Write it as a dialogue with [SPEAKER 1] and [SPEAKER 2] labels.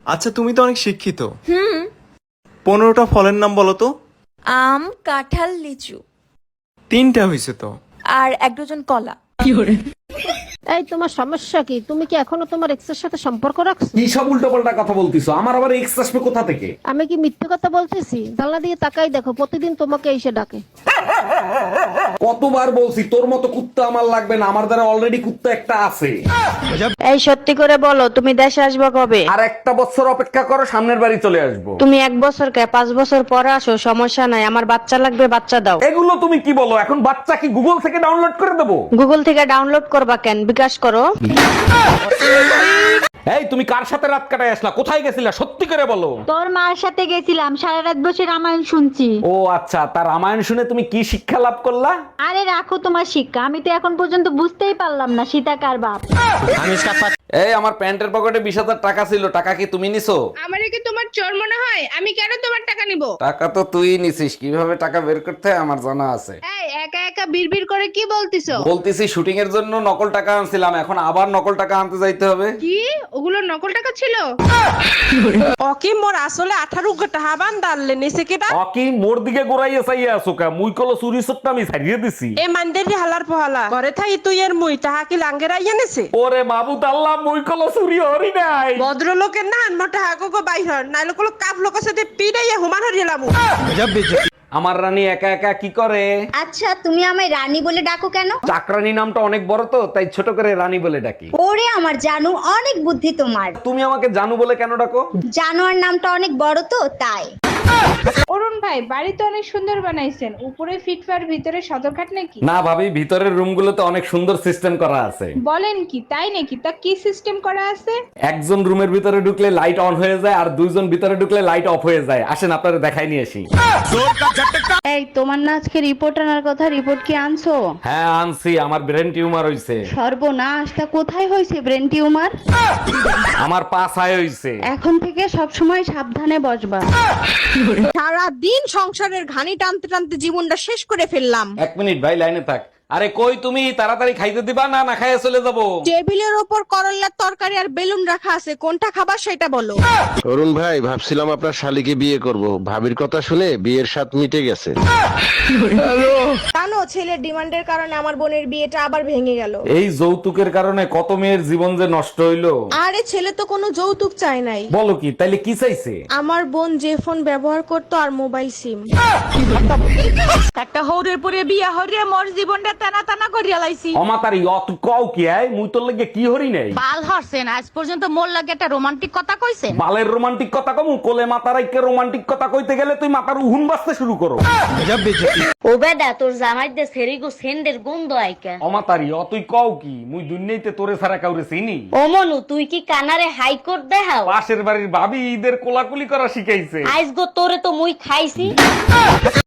[SPEAKER 1] আচ্ছা, তুমি তো অনেক শিক্ষিত। 15টা ফলের নাম বলো তো।
[SPEAKER 2] আম, কাঁঠাল, লিচু।
[SPEAKER 1] 3টা হয়েছে তো।
[SPEAKER 2] আর 1 ডজন কলা।
[SPEAKER 3] এই তোমার সমস্যা কি? তুমি কি এখনো তোমার এক্স এর সাথে সম্পর্ক রাখছো?
[SPEAKER 4] কি সব উল্টোপাল্টা কথা বলতিছো? আমার আবার এক্স আসবে কোথা থেকে?
[SPEAKER 3] আমি কি মিথ্যে কথা বলতেছি? জানলা দিয়ে তাকাই দেখো, প্রতিদিন তোমাকে এসে ডাকে।
[SPEAKER 4] কতবার বলছি তোর মতো কুত্তা আমার লাগবে না, আমার দ্বারা অলরেডি কুত্তা একটা আছে।
[SPEAKER 5] এই সত্যি করে বলো, তুমি দেশে আসবে কবে?
[SPEAKER 4] আর একটা বছর অপেক্ষা করো, সামনের বাড়ি চলে আসবো।
[SPEAKER 5] তুমি 1 বছর কে 5 বছর পরে আসো, সমস্যা নাই। আমার বাচ্চা লাগবে, বাচ্চা দাও।
[SPEAKER 4] এগুলো তুমি কি বলো? এখন বাচ্চা কি গুগল থেকে ডাউনলোড করে দেবো?
[SPEAKER 5] গুগল থেকে ডাউনলোড করবা কেন? বিকাশ করো।
[SPEAKER 4] এই তুমি কার সাথে রাত কাটায় আসলা? কোথায় গেছিলা? সত্যি করে বলো।
[SPEAKER 6] তোর মার সাথে গেছিলাম, সারা রাত বসে রামায়ণ শুনছি।
[SPEAKER 4] ও আচ্ছা, তার রামায়ণ শুনে তুমি কি শিক্ষা লাভ করলা?
[SPEAKER 6] আরে রাখো তোমার শিক্ষা, আমি তো এখন পর্যন্ত বুঝতেই পারলাম না সীতা কার বাপ।
[SPEAKER 4] এই আমার প্যান্টের পকেটে 20,000 টাকা ছিল, টাকা কি তুমি নিছো?
[SPEAKER 7] আমারে কি তোমার চোর মনে হয়? আমি কেন তোমার টাকা নিব?
[SPEAKER 4] টাকা তো তুই নিছিস, কিভাবে টাকা বের করতে হয় আমার জানা আছে।
[SPEAKER 7] এই একা একা বিড়বিড় করে কি বলতিছো?
[SPEAKER 4] বলতেছি শুটিং এর জন্য নকল টাকা আনছিলাম, এখন আবার নকল টাকা আনতে যাইতে হবে।
[SPEAKER 7] কি ওগুলো নকল টাকা ছিল?
[SPEAKER 8] ওকে মোর আসলে 18 টাকা হাবান দাললে নিছে কেটা?
[SPEAKER 4] অকি মোর দিকে গোড়াইয়া চাইয়া আছো কা? মুই কলো চুরি সট্টা আমি ছাড়িয়ে দিছি।
[SPEAKER 8] এ মানদেরি হালার পহালা ঘরে থাই তুই এর মুই তাহা কি লাঙ্গের আইয়া নেছে?
[SPEAKER 4] ওরে মাবুদ আল্লাহ, মুই কলো চুরি হরি নাই।
[SPEAKER 8] ভদ্রলোকের না মোটা হাগো বাইর নাইলে কলো কাপ লোকের সাথে পিড়াইয়া হুমান হরিলাম।
[SPEAKER 4] আমার রানী একা একা কি করে?
[SPEAKER 9] আচ্ছা, তুমি আমায় রানী বলে ডাকো কেন?
[SPEAKER 4] চাকরানী নামটা অনেক বড় তো, তাই ছোট করে রানী বলে ডাকি।
[SPEAKER 9] ওরে আমার জানু, অনেক বুদ্ধি তোমার।
[SPEAKER 4] তুমি আমাকে জানু বলে কেন ডাকো?
[SPEAKER 9] জানোয়ার নামটা অনেক বড় তো, তাই।
[SPEAKER 7] অরুণ ভাই, বাড়ি তো অনেক সুন্দর বানাইছেন, উপরে ফিটফার ভিতরে সদরঘাট নাকি?
[SPEAKER 4] না ভাবি, ভিতরের রুমগুলোতে অনেক সুন্দর সিস্টেম করা আছে।
[SPEAKER 7] বলেন কি, তাই নাকি? তা কি সিস্টেম করা আছে?
[SPEAKER 4] একজন রুমের ভিতরে ঢুকলে লাইট অন হয়ে যায়, আর 2জন ভিতরে ঢুকলে লাইট অফ হয়ে যায়। আসেন আপনারা দেখাই নিয়ে আসি।
[SPEAKER 6] এই তোমার না আজকে রিপোর্ট আনার কথা, রিপোর্ট কি আনছো?
[SPEAKER 4] হ্যাঁ আনছি, আমার ব্রেন টিউমার হইছে।
[SPEAKER 6] সর্বনাশ, তা কোথায় হয়েছে ব্রেন টিউমার?
[SPEAKER 4] আমার পা ছায় হইছে।
[SPEAKER 6] এখন থেকে সব সময় সাবধানে বসবা।
[SPEAKER 8] সারা দিন সংসারের ঘানি টানতে টানতে জীবনটা শেষ করে ফেললাম।
[SPEAKER 4] 1 মিনিট ভাই, লাইনে থাক। আরে কই তুমি? তাড়াতাড়ি খাইতে দিবা না না খাইয়ে চলে যাবো?
[SPEAKER 8] টেবিলের ওপর করল্লার তরকারি আর বেলুন রাখা আছে, কোনটা খাবার সেটা বলো।
[SPEAKER 10] অরুণ ভাই, ভাবছিলাম আপনার শালিকে বিয়ে করব, ভাবির কথা শুনে বিয়ের স্বাদ মিটে গেছে।
[SPEAKER 8] জানো, ছেলের ডিমান্ডের কারণে আমার বোনের বিয়েটা আবার ভেঙে গেল।
[SPEAKER 4] এই যৌতুকের কারণে কত মেয়ের জীবন যে নষ্ট হইলো।
[SPEAKER 8] আরে ছেলে তো কোনো যৌতুক চায় নাই।
[SPEAKER 4] বলো কি? তাইলে কি চাইছে?
[SPEAKER 8] আমার বোন যে ফোন ব্যবহার করতো আর মোবাইল সিম।
[SPEAKER 6] একটা হৌরের পরে বিয়া হরিয়া মোর জীবনটা টানা টানা করিয়া লাইছি।
[SPEAKER 4] অমাতারি অত কও কি আয়? মুই তোর লাগে কি হরি নাই?
[SPEAKER 6] বাল হরছেন, আজ পর্যন্ত মোর লাগে একটা রোমান্টিক কথা কইছেন?
[SPEAKER 4] বালের রোমান্টিক কথা কমু? কোলে মাতার আইকে রোমান্টিক কথা কইতে গেলে তুই মাথার উহুন বাজতে শুরু করো।
[SPEAKER 9] ও বেদা, তোর জামাইতে সেরিগো সেন্ডের গন্ধ আইকা।
[SPEAKER 4] অমাতারি অতই কও কি? মুই দুনিয়াতে তোরে ছাড়া কাউরে চিনি?
[SPEAKER 9] ও মনু, তুই কি কানারে হাইকোর্ট দেখাও?
[SPEAKER 4] পাশের বাড়ির ভাবি ঈদের কোলাকুলি করা শিখাইছে।
[SPEAKER 9] আইস গো তোরে তো মুই খাইছি।